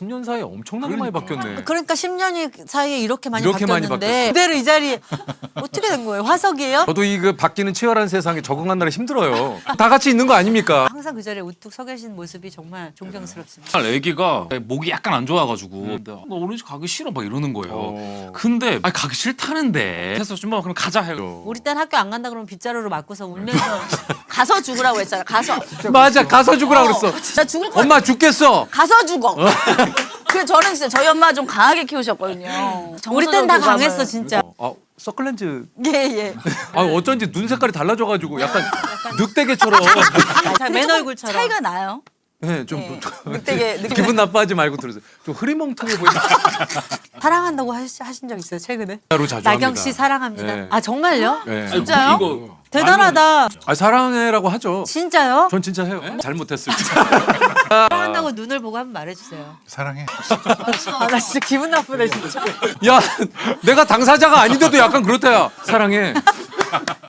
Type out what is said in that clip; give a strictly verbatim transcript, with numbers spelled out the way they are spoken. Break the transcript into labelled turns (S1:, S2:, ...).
S1: 십 년 사이에 엄청나게 많이 바뀌었네.
S2: 그러니까 십 년 사이에 이렇게 많이
S1: 이렇게 많이
S2: 바뀌었는데
S1: 바뀌었어.
S2: 그대로 이 자리에 어떻게 된 거예요? 화석이에요?
S1: 저도 이 그 바뀌는 치열한 세상에 적응하느라 힘들어요. 다 같이 있는 거 아닙니까?
S2: 항상 그 자리에 우뚝 서 계신 모습이 정말 존경스럽습니다.
S3: 정말 애기가 목이 약간 안 좋아가지고 나 우리 집 가기 싫어 막 이러는 거예요.
S1: 어.
S3: 근데 아니 가기 싫다는데 그래서 좀 뭐 그럼 가자 해요.
S2: 우리 딸 학교 안 간다 그러면 빗자루로 맞고서 울면서 가서 죽으라고 했잖아. 가서.
S1: 맞아, 가서 죽으라 그랬어.
S4: 나 죽을 거
S1: 엄마 죽겠어.
S4: 가서 죽어. 그 저는 진짜 저희 엄마 좀 강하게 키우셨거든요.
S2: 우리 땐 다
S4: 정서적
S2: 강했어
S4: 교감을.
S2: 진짜.
S1: 아, 서클렌즈.
S2: 예 예.
S1: 아, 어쩐지 눈 색깔이 달라져가지고 약간 늑대개처럼.
S2: 자, 맨 얼굴처럼.
S4: 차이가 나요.
S1: 네, 좀
S4: 네. 늑대개, 늑대.
S1: 기분 나빠하지 말고 들으세요. 좀 흐리멍텅해 보이는.
S2: 사랑한다고 하시, 하신 적 있어요 최근에?
S1: 진짜로 자주
S2: 나경
S1: 합니다.
S2: 씨 사랑합니다.
S1: 네.
S2: 아 정말요?
S1: 네.
S2: 진짜요?
S3: 이거
S2: 대단하다.
S1: 아, 사랑해라고 하죠.
S2: 진짜요?
S1: 전 진짜 해요. 잘못했을 때.
S2: 사랑한다고 눈을 보고 한번 말해주세요.
S5: 사랑해.
S2: 아 나 진짜 기분 나쁘네 진짜.
S1: 야, 내가 당사자가 아닌데도 약간 그렇다야. 사랑해.